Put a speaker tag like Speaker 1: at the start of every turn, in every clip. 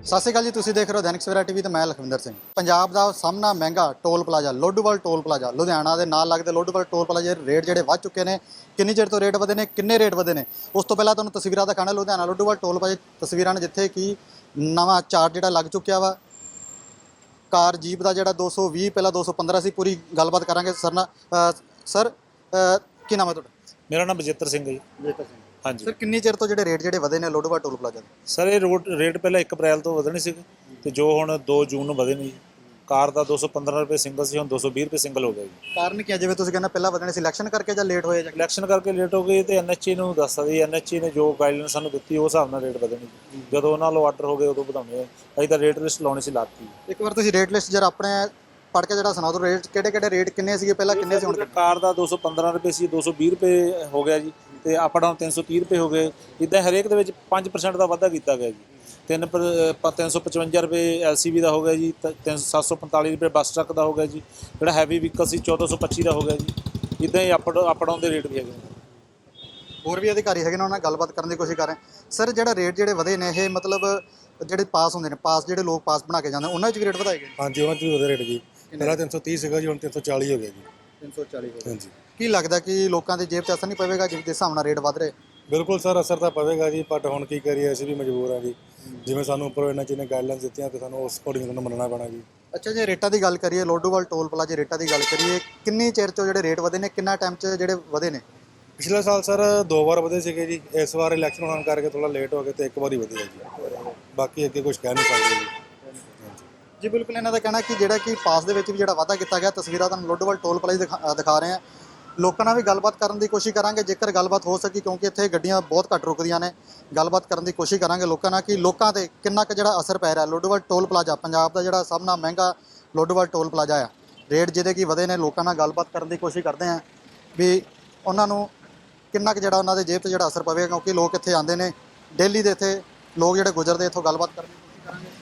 Speaker 1: ਸਤਿ ਸ਼੍ਰੀ ਅਕਾਲ ਜੀ, ਤੁਸੀਂ ਦੇਖ ਰਹੇ ਹੋ ਦੈਨਿਕ ਸਵੇਰਾ ਟੀਵੀ ਤੇ ਮੈਂ ਲਖਵਿੰਦਰ ਸਿੰਘ। ਪੰਜਾਬ ਦਾ ਸਾਹਮਣਾ ਮਹਿੰਗਾ toll plaza Ladhowal toll plaza Ludhiana ਦੇ ਨਾਲ ਲੱਗਦੇ ਲੋਡੂਵਾਲ ਟੋਲ ਪਲਾਜ਼ਾ ਦੇ ਰੇਟ ਜਿਹੜੇ ਵੱਧ ਚੁੱਕੇ ਨੇ। ਕਿੰਨੀ ਚਿਰ ਤੋਂ ਰੇਟ ਵਧੇ ਨੇ, ਕਿੰਨੇ ਰੇਟ ਵਧੇ ਨੇ, ਉਸ ਤੋਂ ਪਹਿਲਾਂ ਤੁਹਾਨੂੰ ਤਸਵੀਰਾਂ ਦਿਖਾਣਾ ਲੁਧਿਆਣਾ ਲੋਡੂਵਾਲ ਟੋਲ ਪਲਾਜ਼ਾ ਤਸਵੀਰਾਂ ਨੇ, ਜਿੱਥੇ ਕਿ ਨਵਾਂ ਚਾਰਟ ਜਿਹੜਾ ਲੱਗ ਚੁੱਕਿਆ ਵਾ। ਕਾਰ ਜੀਪ ਦਾ ਜਿਹੜਾ 220 ਪਹਿਲਾਂ 215 ਸੀ। ਪੂਰੀ ਗੱਲਬਾਤ ਕਰਾਂਗੇ ਸਰ ਨਾਲ। ਸਰ ਕੀ ਨਾਮ ਹੈ ਤੁਹਾਡਾ?
Speaker 2: ਮੇਰਾ ਨਾਮ ਬਜਿੱਤਰ ਸਿੰਘ ਹੈ ਜੀ।
Speaker 1: ਜੇਕਰ ਸਿੰਘ
Speaker 2: ਹਾਂਜੀ
Speaker 1: ਸਰ, ਕਿੰਨੀ ਚਿਰ ਤੋਂ ਜਿਹੜੇ ਰੇਟ ਵਧੇ ਨੇ ਲੋਡੂਵਾਲ ਟੋਲ ਪਲਾਜ਼ਾ ਦੇ?
Speaker 2: ਸਰ, ਇਹ ਰੇਟ ਪਹਿਲਾਂ 1 ਅਪ੍ਰੈਲ ਤੋਂ ਵਧਣੇ ਸੀਗੇ ਤੇ ਜੋ ਹੁਣ 2 ਜੂਨ ਨੂੰ ਵਧੇ ਨੇ ਜੀ। ਕਾਰ ਦਾ 215 ਰੁਪਏ ਸਿੰਗਲ ਸੀ, ਹੁਣ 220 ਰੁਪਏ ਸਿੰਗਲ ਹੋ ਗਿਆ ਜੀ।
Speaker 1: ਕਾਰਨ ਕੀ ਹੈ? ਜਿਵੇਂ ਤੁਸੀਂ ਕਹਿੰਦੇ ਪਹਿਲਾਂ ਵਧਣੇ ਸੀ, ਇਲੈਕਸ਼ਨ ਕਰਕੇ ਜਾਂ ਲੇਟ ਹੋਏ ਜਾਂ
Speaker 2: ਇਲੈਕਸ਼ਨ ਕਰਕੇ ਲੇਟ ਹੋ ਗਏ ਤੇ ਐਨਐਚਏ ਨੂੰ ਦੱਸਦਾ ਜੀ। ਐਨਐਚਏ ਨੇ ਜੋ ਗਾਈਡਲਾਈਨ ਸਾਨੂੰ ਦਿੱਤੀ ਉਸ ਹਿਸਾਬ ਨਾਲ ਰੇਟ ਵਧਣੇ ਜੀ। ਜਦੋਂ ਉਹਨਾਂ ਵੱਲੋਂ ਆਰਡਰ ਹੋ ਗਏ ਉਦੋਂ ਵਧਾਉਣੇ ਆ। ਅਸੀਂ ਤਾਂ ਰੇਟ ਲਿਸਟ ਲਾਉਣੀ ਸੀ, ਲਾਤੀ।
Speaker 1: ਇੱਕ ਵਾਰ ਤੁਸੀਂ ਰੇਟ ਲਿਸਟ ਜਰਾ ਆਪਣੇ ਪੜ੍ਹ ਕੇ ਜਿਹੜਾ ਸੁਣਾ ਦਿਓ। ਰੇਟ ਕਿਹੜੇ ਰੇਟ ਕਿੰਨੇ ਸੀਗੇ ਪਹਿਲਾਂ, ਕਿੰਨੇ ਸੀ ਹੁਣ?
Speaker 2: ਕਾਰ ਦਾ 215 ਰੁਪਏ ਸੀ, 220 ਰੁਪਏ ਹੋ ਗਿਆ ਜੀ। ਤੇ ਅਪ ਡਾਊਨ 330 ਰੁਪਏ ਹੋ ਗਏ। ਇੱਦਾਂ ਹਰੇਕ ਦੇ ਵਿੱਚ 5% ਦਾ ਵਾਧਾ ਕੀਤਾ ਗਿਆ ਜੀ। 355 ਰੁਪਏ LCV ਦਾ ਹੋ ਗਿਆ ਜੀ। 745 ਰੁਪਏ ਬੱਸ ਟਰੱਕ ਦਾ ਹੋ ਗਿਆ ਜੀ। ਜਿਹੜਾ ਹੈਵੀ ਵਹੀਕਲ ਸੀ 1425 ਦਾ ਹੋ ਗਿਆ ਜੀ। ਇੱਦਾਂ ਹੀ ਅਪ ਡਾਊਨ ਦੇ ਰੇਟ ਵੀ ਹੈਗੇ ਨੇ।
Speaker 1: ਹੋਰ ਵੀ ਅਧਿਕਾਰੀ ਹੈਗੇ ਨੇ, ਉਹਨਾਂ ਨਾਲ ਗੱਲਬਾਤ ਕਰਨ ਦੀ ਕੋਸ਼ਿਸ਼ ਕਰ ਰਹੇ। ਸਰ, ਜਿਹੜਾ ਰੇਟ ਜਿਹੜੇ ਵਧੇ ਨੇ, ਇਹ ਮਤਲਬ ਜਿਹੜੇ ਪਾਸ ਹੁੰਦੇ ਨੇ, ਪਾਸ ਜਿਹੜੇ ਲੋਕ ਪਾਸ ਬਣਾ ਕੇ ਜਾਂਦੇ, ਉਹਨਾਂ ਵਿੱਚ ਵੀ ਰੇਟ ਵਧਾਏ ਗਏ?
Speaker 3: ਹਾਂਜੀ, ਉਹਨਾਂ 'ਚ ਵੀ ਵਧੇ ਰੇਟ ਜੀ। ਪਹਿਲਾਂ 330 ਸੀਗਾ ਜੀ, ਹੁਣ 340 ਹੋ ਗਿਆ ਜੀ।
Speaker 1: 340 ਹੋ ਗਿਆ।
Speaker 3: ਹਾਂਜੀ,
Speaker 1: ਕੀ ਲੱਗਦਾ ਕਿ ਲੋਕਾਂ ਦੀ ਜੇਬ 'ਚ ਅਸਰ ਨਹੀਂ ਪਵੇਗਾ ਜਿਸ ਦੇ ਹਿਸਾਬ ਨਾਲ ਰੇਟ ਵਧ ਰਹੇ?
Speaker 3: ਬਿਲਕੁਲ ਸਰ, ਅਸਰ ਤਾਂ ਪਵੇਗਾ ਜੀ, ਬਟ ਹੁਣ ਕੀ ਕਰੀਏ, ਅਸੀਂ ਵੀ ਮਜਬੂਰ ਹਾਂ ਜੀ। ਜਿਵੇਂ ਸਾਨੂੰ ਉੱਪਰੋਂ ਇਹਨਾਂ ਚੀਜ਼ਾਂ ਗਾਈਡਲਾਈਨਸ ਦਿੱਤੀਆਂ ਤੇ ਸਾਨੂੰ ਉਸ ਅਕੋਰਡਿੰਗ ਸਾਨੂੰ ਮੰਨਣਾ ਪੈਣਾ ਜੀ।
Speaker 1: ਅੱਛਾ, ਜੇ ਰੇਟਾਂ ਦੀ ਗੱਲ ਕਰੀਏ, ਲੋਡੂਵਾਲ ਟੋਲ ਪਲਾਜ਼ਾ ਰੇਟਾਂ ਦੀ ਗੱਲ ਕਰੀਏ, ਕਿੰਨੀ ਚਿਰ 'ਚੋਂ ਜਿਹੜੇ ਰੇਟ ਵਧੇ ਨੇ, ਕਿੰਨਾ ਟਾਈਮ 'ਚ ਜਿਹੜੇ ਵਧੇ ਨੇ?
Speaker 3: ਪਿਛਲੇ ਸਾਲ ਸਰ 2 ਵਾਰ ਵਧੇ ਸੀਗੇ ਜੀ। ਇਸ ਵਾਰ ਇਲੈਕਸ਼ਨ ਹੋਣ ਕਰਕੇ ਥੋੜਾ ਲੇਟ ਹੋ ਗਏ ਤੇ 1 ਵਾਰ ਹੀ ਵਧੇ ਜੀ। ਬਾਕੀ ਅੱਗੇ ਕੁਝ ਕਹਿ ਨਹੀਂ ਸਕਦੇ ਜੀ।
Speaker 1: ਜੀ ਬਿਲਕੁਲ, ਇਹਨਾਂ ਦਾ ਕਹਿਣਾ ਕਿ ਜਿਹੜਾ ਕਿ ਪਾਸ ਦੇ ਵਿੱਚ ਵੀ ਜਿਹੜਾ ਵਾਧਾ ਕੀਤਾ ਗਿਆ। ਤਸਵੀਰਾਂ ਤੁਹਾਨੂੰ ਲੋਡੂਵਾਲ ਟੋਲ ਪਲਾਜ਼ਾ ਦਿਖਾ ਰਹੇ ਹਾਂ। ਲੋਕਾਂ ਨਾਲ ਵੀ ਗੱਲਬਾਤ ਕਰਨ ਦੀ ਕੋਸ਼ਿਸ਼ ਕਰਾਂਗੇ, ਜੇਕਰ ਗੱਲਬਾਤ ਹੋ ਸਕੀ, ਕਿਉਂਕਿ ਇੱਥੇ ਗੱਡੀਆਂ ਬਹੁਤ ਘੱਟ ਰੁਕਦੀਆਂ ਨੇ। ਗੱਲਬਾਤ ਕਰਨ ਦੀ ਕੋਸ਼ਿਸ਼ ਕਰਾਂਗੇ ਲੋਕਾਂ ਨਾਲ ਕਿ ਲੋਕਾਂ 'ਤੇ ਕਿੰਨਾ ਕੁ ਜਿਹੜਾ ਅਸਰ ਪੈ ਰਿਹਾ। ਲੋਡੂਵਾਲ ਟੋਲ ਪਲਾਜ਼ਾ ਪੰਜਾਬ ਦਾ ਜਿਹੜਾ ਸਭ ਨਾਲੋਂ ਮਹਿੰਗਾ ਲੋਡੂਵਾਲ ਟੋਲ ਪਲਾਜ਼ਾ ਆ। ਰੇਟ ਜਿਹਦੇ ਕਿ ਵਧੇ ਨੇ, ਲੋਕਾਂ ਨਾਲ ਗੱਲਬਾਤ ਕਰਨ ਦੀ ਕੋਸ਼ਿਸ਼ ਕਰਦੇ ਹਾਂ ਵੀ ਉਹਨਾਂ ਨੂੰ ਕਿੰਨਾ ਕੁ ਜਿਹੜਾ ਉਹਨਾਂ ਦੇ ਜੇਬ 'ਤੇ ਜਿਹੜਾ ਅਸਰ ਪਵੇਗਾ, ਕਿਉਂਕਿ ਲੋਕ ਇੱਥੇ ਆਉਂਦੇ ਨੇ ਡੇਲੀ ਦੇ। ਇੱਥੇ ਲੋਕ ਜਿਹੜੇ ਗੁਜ਼ਰਦੇ ਇੱਥੋਂ ਗੱਲਬਾਤ ਕਰਨ ਦੀ ਕੋਸ਼ਿਸ਼ ਕਰਾਂਗੇ।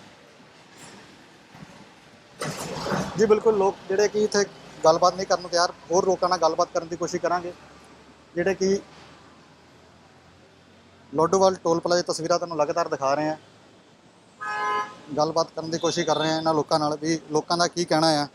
Speaker 1: ਜੀ ਬਿਲਕੁਲ, ਲੋਕ ਜਿਹੜੇ ਕਿ ਇੱਥੇ ਗੱਲਬਾਤ ਨਹੀਂ ਕਰਨ ਨੂੰ ਤਿਆਰ। ਹੋਰ ਲੋਕਾਂ ਨਾਲ ਗੱਲਬਾਤ ਕਰਨ ਦੀ ਕੋਸ਼ਿਸ਼ ਕਰਾਂਗੇ ਜਿਹੜੇ ਕਿ ਲੋਡੂਵਾਲ ਟੋਲ ਪਲਾਜ਼ਾ ਤਸਵੀਰਾਂ ਤੁਹਾਨੂੰ ਲਗਾਤਾਰ ਦਿਖਾ ਰਹੇ ਹਾਂ। ਗੱਲਬਾਤ ਕਰਨ ਦੀ ਕੋਸ਼ਿਸ਼ ਕਰ ਰਹੇ ਹਾਂ ਇਹਨਾਂ ਲੋਕਾਂ ਨਾਲ ਵੀ ਲੋਕਾਂ ਦਾ ਕੀ ਕਹਿਣਾ ਆ।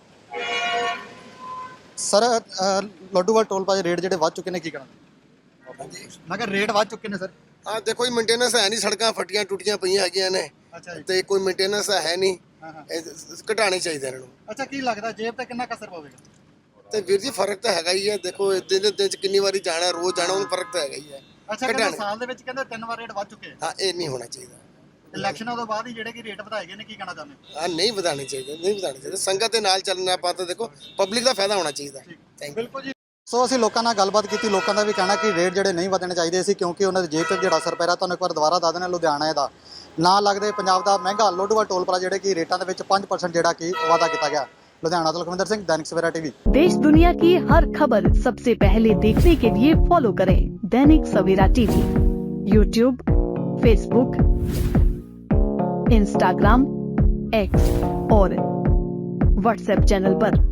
Speaker 1: Sir, Ladhowal toll plaza rate ਜਿਹੜੇ ਵੱਧ ਚੁੱਕੇ ਨੇ, ਕੀ ਕਹਿਣਾ? ਮੈਂ ਕਿਹਾ ਰੇਟ ਵੱਧ ਚੁੱਕੇ ਨੇ ਸਰ।
Speaker 4: ਆ ਦੇਖੋ ਜੀ, ਮੇਨਟੇਨੈਂਸ ਹੈ ਨਹੀਂ। ਸੜਕਾਂ ਫਟੀਆਂ ਟੁੱਟੀਆਂ ਪਈਆਂ ਹੈਗੀਆਂ ਨੇ
Speaker 1: ਅੱਛਾ ਜੀ।
Speaker 4: ਤੇ ਕੋਈ ਮੇਨਟੇਨੈਂਸ ਹੈ ਨਹੀਂ।
Speaker 1: ਹਾਂ ਹਾਂ।
Speaker 4: ਇਹ ਘਟਾਣੇ ਚਾਹੀਦੇ ਇਹਨਾਂ ਨੂੰ।
Speaker 1: ਅੱਛਾ, ਕੀ ਲੱਗਦਾ ਜੇਬ ਤੇ ਕਿੰਨਾ ਕੁ ਅਸਰ ਪਵੇਗਾ?
Speaker 4: ਤੇ ਵੀਰ ਜੀ, ਫਰਕ ਤਾਂ ਹੈਗਾ ਹੀ ਹੈ। ਦੇਖੋ ਦਿਨ 'ਚ ਕਿੰਨੀ ਵਾਰੀ ਜਾਣਾ, ਰੋਜ਼ ਜਾਣਾ, ਉਹਨੂੰ ਫਰਕ ਤਾਂ ਹੈਗਾ ਹੀ ਹੈ।
Speaker 1: ਅੱਛਾ, ਕਹਿੰਦੇ ਸਾਲ ਦੇ ਵਿੱਚ ਕਹਿੰਦੇ 3 ਵਾਰ ਰੇਟ ਵੱਧ ਚੁੱਕੇ ਆ।
Speaker 4: ਹਾਂ, ਇਹ ਨਹੀਂ ਹੋਣਾ ਚਾਹੀਦਾ।
Speaker 1: ਇਲੈਕਸ਼ਨਾਂ ਤੋਂ ਬਾਅਦ ਹੀ ਜਿਹੜੇ ਕਿ ਰੇਟ ਵਧਾਏ ਗਏ ਨੇ, ਕੀ ਕਹਿਣਾ ਚਾਹੁੰਦੇ?
Speaker 4: ਹਾਂ, ਨਹੀਂ ਵਧਾਣੇ ਚਾਹੀਦੇ, ਨਹੀਂ ਵਧਾਣੇ ਚਾਹੀਦੇ। ਸੰਗਤ ਦੇ ਨਾਲ ਚੱਲਣਾ ਆਪਾਂ ਤਾਂ ਦੇਖੋ ਪਬਲਿਕ ਦਾ ਫਾਇਦਾ ਹੋਣਾ ਚਾਹੀਦਾ। Thank you.
Speaker 1: ਬਿਲਕੁਲ ਜੀ। ਸੋ ਅਸੀਂ ਲੋਕਾਂ ਨਾਲ ਗੱਲਬਾਤ ਕੀਤੀ। ਲੋਕਾਂ ਦਾ ਵੀ ਕਹਿਣਾ ਕਿ ਰੇਟ ਜਿਹੜੇ ਨਹੀਂ ਵਧਣੇ ਚਾਹੀਦੇ ਸੀ, ਕਿਉਂਕਿ ਉਹਨਾਂ ਦੀ ਜੇਬ 'ਤੇ ਜਿਹੜਾ ਅਸਰ ਪੈ ਰਿਹਾ। ਤੁਹਾਨੂੰ ਇੱਕ ਵਾਰ ਦੁਬਾਰਾ ਦੱਸ ਦਿੰਦੇ, ਲੁਧਿਆਣਾ ਦਾ ਨਾਲ ਲੱਗਦੇ ਪੰਜਾਬ ਦਾ ਮਹਿੰਗਾ ਲੋਡੂਵਾਲ ਟੋਲ ਪਲਾਜ਼ਾ ਜਿਹੜੇ ਕਿ ਰੇਟਾਂ ਦੇ ਵਿੱਚ 5% ਜਿਹੜਾ ਕਿ ਵਾਧਾ ਕੀਤਾ ਗਿਆ। लुधियाना से लखविंदर सिंह, दैनिक सवेरा टीवी।
Speaker 5: देश दुनिया की हर खबर सबसे पहले देखने के लिए फॉलो करें Dainik Savera TV, YouTube, Facebook, Instagram, X और व्हाट्सएप चैनल पर।